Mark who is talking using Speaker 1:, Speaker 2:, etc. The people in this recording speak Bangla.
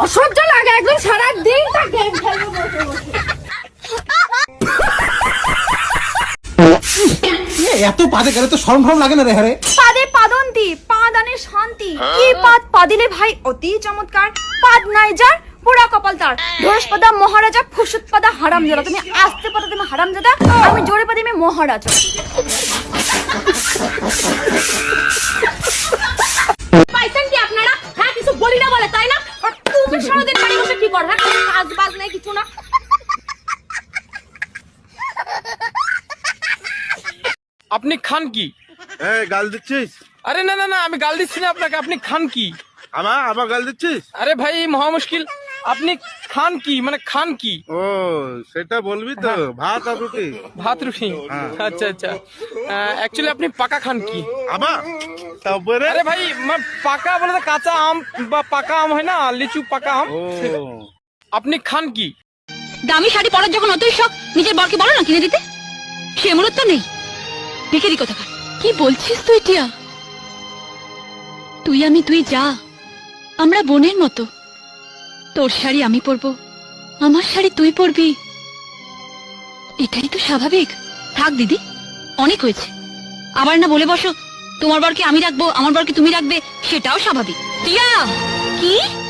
Speaker 1: অসহ্য লাগে একদম, সারা দিন তা গেম খেলবো বসে বসে।
Speaker 2: এত পাদে গেলে তো শরম ফরম লাগে না রে? হ্যাঁ
Speaker 1: পাদে পাদন্তি, পাদানে শান্তি। কি পাদ পাদিলে ভাই অতি চমৎকার। পাদ নাই যার পুরা কপাল তার। ঢোরসপাদা মহারাজা, ফুসুতপাদা হারামজাদা। তুমি আসতে পারো তুমি হারামজাদা, আমি জোরে পাদি আমি মহারাজা। পাইছেন কি আপনারা? হ্যাঁ কিছু বলি না বলে তাই না? আর তুমি সারাদিন বাড়ি বসে কি করো? হ্যাঁ কাজ বাজ নাই কিছু না।
Speaker 3: আপনি খান কি?
Speaker 4: গাল দিচ্ছিস?
Speaker 3: আরে না না না, আমি গাল দিচ্ছি না আপনাকে। আপনি খান কি?
Speaker 4: আমার গাল দিচ্ছিস?
Speaker 3: আরে ভাই মহা মুশকিল। আপনি খান কি, মানে খান কি?
Speaker 4: ও সেটা বলবি তো। ভাত আর রুটি।
Speaker 3: ভাত রুটি? আচ্ছা আচ্ছা। অ্যাকচুয়ালি আপনি পাকা খান কি?
Speaker 4: আমার তারপরে
Speaker 3: আরে ভাই পাকা বলে তো কাঁচা আম বা পাকা আম হয় না, লিচু পাকা আম।
Speaker 4: ও
Speaker 3: আপনি খান কি?
Speaker 5: দামি শাড়ি পরার যখন অতই শখ, নিজের বরকে বলো না কিনে দিতে। সে মূলত নেই, ভিখারি কোথাকার। কি বলছিস তুই টিয়া? তুই আমি তুই যা, আমরা বোনের মতো। তোর শাড়ি আমি পরবো, আমার শাড়ি তুই পরবি, এটাই তো স্বাভাবিক। থাক দিদি, অনেক হয়েছে। আবার না বলে বসো তোমার বরকে আমি রাখবো, আমার বরকে তুমি রাখবে, সেটাও স্বাভাবিক। টিয়া কি